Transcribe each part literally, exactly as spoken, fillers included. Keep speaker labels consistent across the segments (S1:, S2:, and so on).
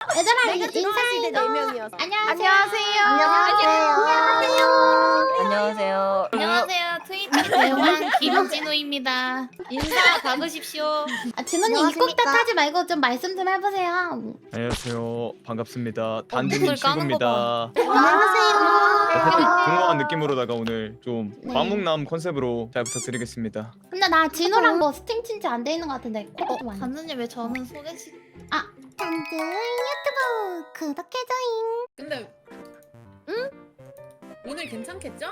S1: 얘들아
S2: 내가 들어갔을 때 네 명이었어.
S1: 안녕하세요.
S2: 안녕하세요.
S3: 안녕하세요.
S4: 안녕하세요. 트위치 대왕 김진우입니다. 인사 박으십시오.
S1: 아, 진호님 입국 탓 하지 말고 좀 말씀 좀 해보세요.
S5: 안녕하세요. 반갑습니다.
S4: 목소리
S5: 단두님
S4: 까는
S5: 친구입니다.
S1: 안녕하세요.
S5: 살짝 공허한 느낌으로다가 오늘 좀
S1: 네.
S5: 과묵남 컨셉으로 잘 부탁드리겠습니다.
S1: 근데 나 진호랑 뭐 스팅 친지 안 돼 있는 것 같은데 코드 좀 안.
S4: 단수님 왜 저는 소개시?
S1: 단두 유튜브 구독해줘잉.
S2: 근데 응? 오늘 괜찮겠죠?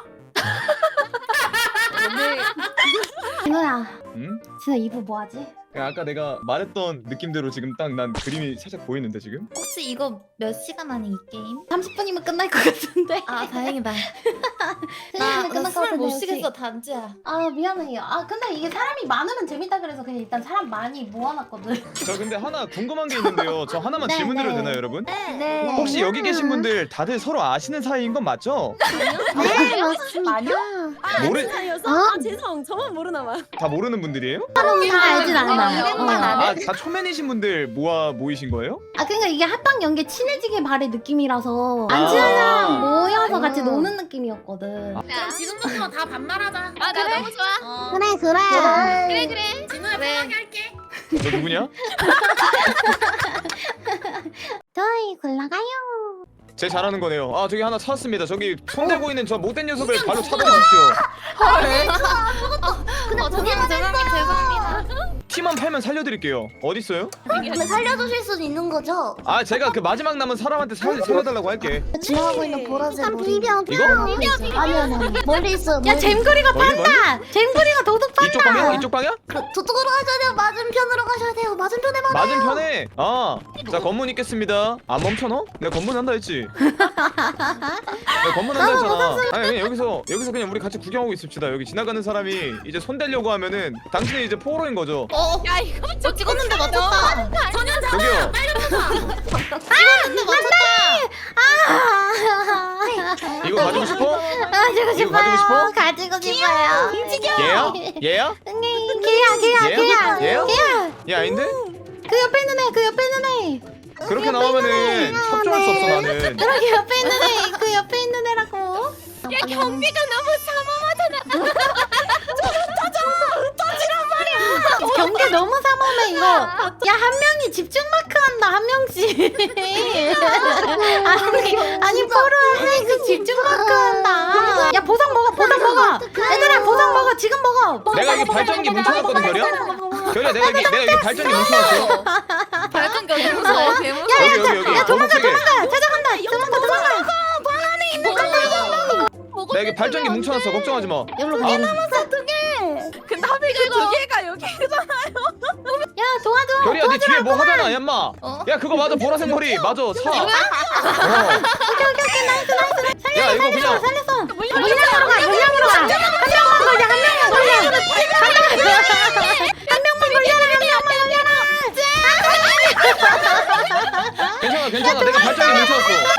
S4: 오늘
S1: 진호야,
S5: 응?
S1: 진호 이 부 뭐하지?
S5: 그냥 아까 내가 말했던 느낌대로 지금 딱 난 그림이 살짝 보이는데 지금?
S4: 혹시 이거 몇 시간 안에 이 게임?
S1: 삼십 분이면 끝날 것 같은데.
S4: 아 다행이다.
S1: 나 끝날 것
S4: 나술못
S1: 같은데
S4: 쉬겠어
S1: 혹시?
S4: 단지야.
S1: 아 미안해요. 아 근데 이게 사람이 많으면 재밌다 그래서 그냥 일단 사람 많이 모아놨거든.
S5: 저 근데 하나 궁금한 게 있는데요. 저 하나만
S1: 네,
S5: 질문드려도
S1: 네.
S5: 되나요, 여러분?
S1: 네.
S5: 혹시 여기 계신 분들 다들 서로 아시는 사이인 건 맞죠?
S1: 네 맞습니다.
S5: 모르
S2: 사이였어?
S1: 어?
S2: 아 죄송 저만 모르나 봐.
S5: 다 모르는 분들이에요?
S1: 다 알진 않아요.
S4: 이름만
S1: 어.
S4: 알아?
S5: 아, 다 초면이신 분들 모아 모이신 거예요?
S1: 아 그러니까 이게 합방 연계 친해지길 바래 느낌이라서
S5: 아.
S1: 안 친한 사람 모여서 같이
S2: 음.
S1: 노는 느낌이었거든.
S5: 아.
S2: 그럼 지금부터 다 반말하자.
S4: 아 나 너무 좋아.
S2: 어.
S1: 그래 그래.
S4: 그래 그래.
S2: 진우야
S4: 그래.
S2: 편하게 할게.
S5: 너 누구냐?
S1: 저희 골라가요.
S5: 제 잘하는 거네요. 아 저기 하나 찾았습니다. 저기 손대고 있는 저 못된 녀석을 발로 차버리십시오.
S4: 어 죄송합니다. 죄송합니다. 죄송합니다.
S5: 티만 팔면 살려드릴게요. 어디 있어요?
S1: 근데 살려주실 수는 있는 거죠?
S5: 아 제가 그 마지막 남은 사람한테 살, 살려달라고 할게.
S1: 지나가고 있는 보라색 머리. 비벼
S5: 이거?
S1: 아니 아니 아니. 멀리 있어. 야 잼거리가
S5: 멀리, 멀리?
S1: 판다. 잼거리가 도둑 판다.
S5: 이쪽 방향? 이쪽 방향?
S1: 그, 저쪽으로 가셔야 돼요. 맞은편으로 가셔야 돼요. 맞은편에 봐.
S5: 맞은편에. 아, 자 검문 있겠습니다. 안 멈춰 너? 내가 검문 한다 했지. 내가 검문 한다 했잖아. 아니 그냥 여기서 여기서 그냥 우리 같이 구경하고 있읍시다. 여기 지나가는 사람이 이제 손대려고 하면은 당신이 이제 포로인 거죠.
S4: 어. 야 이거 저 찍었는데 맞췄다.
S2: 전현 자.
S5: 저기요.
S4: 찍었는데 맞췄다.
S5: 이거 가지고 싶어?
S1: 가지고
S5: 이거 가지고 싶어?
S1: 가지고 싶어요.
S5: 얘야? 얘야?
S1: 응, 걔야 걔야
S5: 얘야?
S1: 걔야.
S5: 얘야?
S1: 걔야.
S5: 얘 아닌데?
S1: 그 옆에 있는 애. 그 옆에 있는 애.
S5: 그렇게 나오면은 협조할 수 없어 나는.
S1: 그러게 옆에 있는 애. 그 옆에 있는 애라고.
S4: 야 경비가 너무 삼엄하잖아.
S1: 경계 너무 삼엄해 이거. 야 한 명이 집중 마크 한다 한 명씩. 아니 아니 포로 한 명씩 집중 마크 한다. 야 보상 먹어 보상 먹어. 얘들아 보상 먹어 지금 먹어.
S5: 내가 여기 발전기 뭉쳐놨거든 결이야? 결이야 내가 여기 내가 여기 발전기 뭉쳐놨어.
S4: 발전기 어디 무서워? 개 무서워.
S5: 여기 여기 여기.
S1: 야 도망가
S5: 검은색에.
S1: 도망가 찾아간다 도망가 도망가.
S5: 내가 여기 발전기 뭉쳐놨어. 걱정하지 마.
S1: 여기로 가.
S4: 근데 하필 그두 개가 여기.
S1: 야 도와줘.
S5: 결이야 네 뒤에 뭐 하잖아 얌마.
S4: 어?
S5: 야 그거 맞아 보라색 머리 맞아 사. 어. 야 이거 그냥
S1: 살렸어. 물량으로 가 물량으로 가. 한 명만 걸려 한 명만 걸려. 한 명만 걸려라 한 명만 걸려라.
S5: 괜찮아 괜찮아 내가 발전기 뭉쳐놨어.